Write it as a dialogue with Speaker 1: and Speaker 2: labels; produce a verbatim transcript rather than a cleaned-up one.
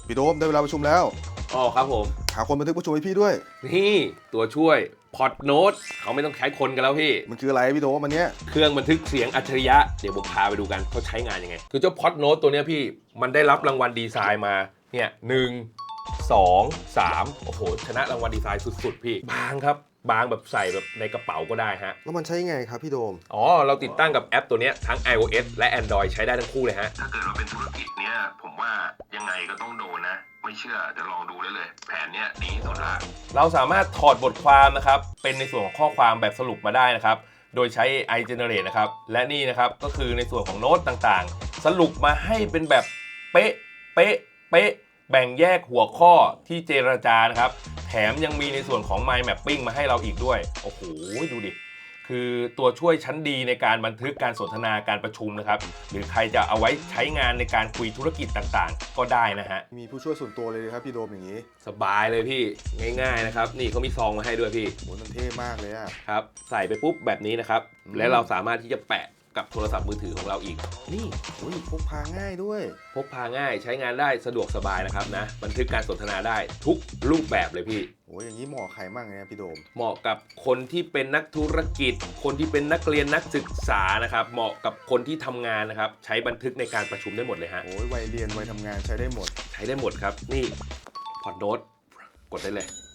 Speaker 1: พี่โดมได้เวลาประชุมแล้ว
Speaker 2: อ๋อครับผม
Speaker 1: หาคนบันทึกประชุมให้พี่ด้วย
Speaker 2: นี่ตัวช่วยพอดโน้ตเขาไม่ต้องใช้คนกันแล้วพี่
Speaker 1: มันคืออะไรพี่โดมมันเนี้ย
Speaker 2: เครื่องบันทึกเสียงอัจฉริยะเดี๋ยวผมพาไปดูกันเขาใช้งานยังไงคือเจ้าพอดโน้ตตัวเนี้ยพี่มันได้รับรางวัลดีไซน์มาเนี่ยหนึ่งสองสามโอ้โหชนะรางวัลดีไซน์สุดๆพี่บางครับบางแบบใส่แบบในกระเป๋าก็ได้ฮะ
Speaker 1: แล้วมันใช้ไงครับพี่โดม
Speaker 2: อ๋อเราติดตั้งกับแอปตัวเนี้ยทั้ง iOS และ Android ใช้ได้ทั้งคู่เลยฮะ
Speaker 3: ถ้าเกิดเราเป็นธุรกิจเนี้ยผมว่ายังไงก็ต้องโดนนะไม่เชื่อจะลองดูได้เลยแผนเนี้ยดีที่สุดละ
Speaker 2: เราสามารถถอดบทความนะครับเป็นในส่วนของข้อความแบบสรุปมาได้นะครับโดยใช้ เอ ไอ Generate นะครับและนี่นะครับก็คือในส่วนของโน้ตต่างๆสรุปมาให้เป็นแบบเป๊ะเป๊ะเป๊ะแบ่งแยกหัวข้อที่เจรจานะครับแถมยังมีในส่วนของ Mind Mapping มาให้เราอีกด้วยโอ้โหดูดิคือตัวช่วยชั้นดีในการบันทึกการสนทนาการประชุมนะครับหรือใครจะเอาไว้ใช้งานในการคุยธุรกิจต่างๆก็ได้นะฮะ
Speaker 1: มีผู้ช่วยส่วนตัวเลยครับพี่โดมอย่างนี้
Speaker 2: สบายเลยพี่ง่ายๆนะครับนี่เขามีซองมาให้ด้วยพี่
Speaker 1: โหมันเท่มากเลยอะ
Speaker 2: ครับใส่ไปปุ๊บแบบนี้นะครับและเราสามารถที่จะแปะกับโทรศัพท์มือถือของเราอีกนี่
Speaker 1: โอ้ยพกพาง่ายด้วย
Speaker 2: พกพาง่ายใช้งานได้สะดวกสบายนะครับนะบันทึกการสนทนาได้ทุกรูปแบบเลยพี่
Speaker 1: โอ้ยอย่างนี้เหมาะใครมั่งเนี่ยพี่โดม
Speaker 2: เหมาะกับคนที่เป็นนักธุรกิจคนที่เป็นนักเรียนนักศึกษานะครับเหมาะกับคนที่ทำงานนะครับใช้บันทึกในการประชุมได้หมดเลยฮะ
Speaker 1: โอ้ยวัยเรียนวัยทำงานใช้ได้หมด
Speaker 2: ใช้ได้หมดครับนี่พอดโน้ตกดได้เลย